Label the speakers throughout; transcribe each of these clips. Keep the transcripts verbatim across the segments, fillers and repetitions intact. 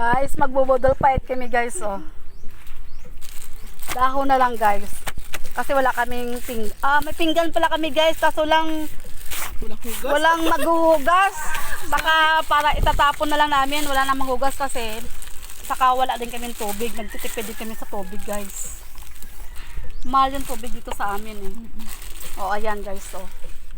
Speaker 1: Guys, magbubudol fight kami guys, oh. Dahon na lang guys. Kasi wala kaming ping... Ah, may pinggan pala kami guys, kaso lang...
Speaker 2: Walang hugas.
Speaker 1: Walang maghuhugas. Baka para itatapon na lang namin, wala na maghugas kasi saka wala din kami tubig. Nagtitipid din kami sa tubig guys. Mahal yung tubig dito sa amin eh. O, ayan guys, oh.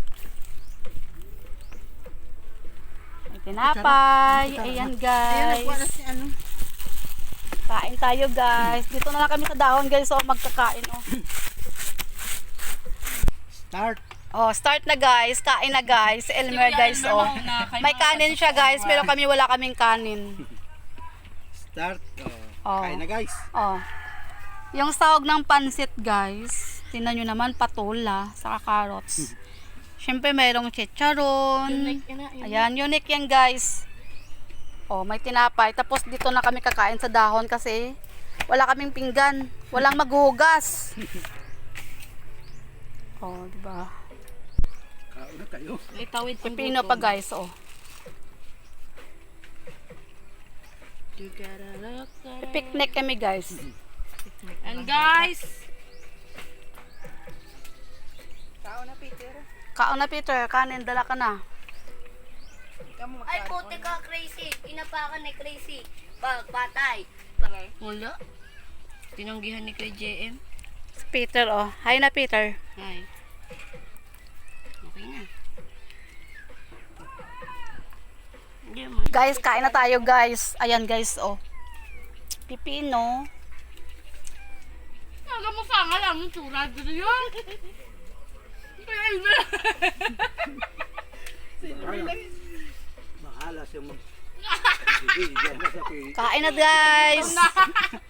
Speaker 1: May tinapay. Ayan guys.
Speaker 2: Ayan, si ano.
Speaker 1: Kain tayo guys. Dito na lang kami sa dahon guys, oh, magkakain, oh.
Speaker 2: Start.
Speaker 1: Oh, start na guys. Kain na guys. Si Elmer guys, oh. May kanin siya guys, pero kami wala kaming kanin.
Speaker 2: Start. Oh.
Speaker 1: Oh.
Speaker 2: Kain na guys.
Speaker 1: Oh. Yung sahog ng pansit guys, tingnan nyo naman, patola, saka carrots. Siyempre mayroong chicharon. Ayan, unique yan guys. Oh, may tinapay. Tapos dito na kami kakain sa dahon kasi wala kaming pinggan. Walang maghuhugas. Oh, diba?
Speaker 2: Kauna kayo.
Speaker 3: Itawid pang
Speaker 1: Pipino pa guys, oh. Picnic kami guys.
Speaker 3: And guys,
Speaker 1: Kaon na Peter, kanin, dala ka na.
Speaker 4: Ay, puti ka, crazy. Inapakan ni crazy. Bag, patay.
Speaker 3: wala. Tinanggihan ni kay J M.
Speaker 1: Si Peter, oh. Hi na Peter.
Speaker 3: Hi. Okay na. Hindi mo.
Speaker 1: Guys, kain na tayo guys. Ayan guys, oh. Pipino.
Speaker 3: Alam mo sa nga lang yung tsura dito yun.
Speaker 2: Bahala siya mag... Sige, diyan na sa kay...
Speaker 1: Kain na guys.